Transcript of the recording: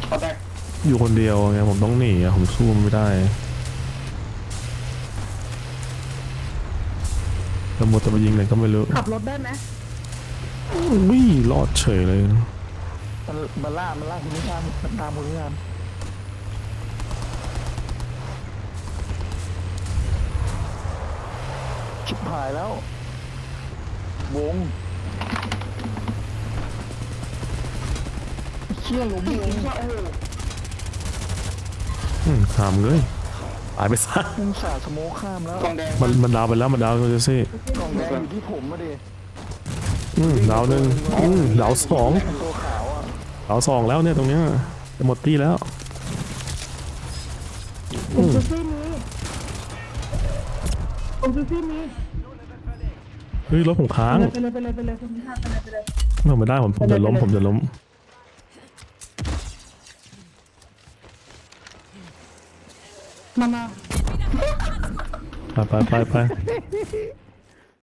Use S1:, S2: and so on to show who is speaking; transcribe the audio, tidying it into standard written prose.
S1: เขาแตก
S2: อยู่คนเดียวไงผมต้องหนีอะผมสู้มันไม่ได้แล้วมัวแต่ไปยิงไหนก็ไม่รู้
S3: ขับรถได้ไหม
S2: วิ่งรอดเฉยเลย
S4: มันล่าคุณนิชามมันตามคุณนิชามชิบหายแล้ววงเชี่ยหลุมวง
S2: ข้ามเลยตายไปซะ
S4: มึงสาดสโมคข้ามแล้ว
S1: กองแดง
S2: มันดาวไปแล้วมันดาวเจสซี่
S4: กล่องแดงอยู่ที่ผมมาดิ
S2: ดาวหนึ่งดาวสอง
S4: ตัวขาวอ่ะ
S2: ดาวสองแล้วเนี่ยตรงเนี้ยจะหมดตี้แล้ว
S3: ผมซูซี่นี้ผมซูซี่นี้
S2: เฮ้ยรถผมค้าง
S3: ไปเลยไปเลยไปเลยคุณพิธาไปเลยไปเลย
S2: ผมไม่ได้ผมจะล้มผมจะล้ม
S3: มา
S2: ไป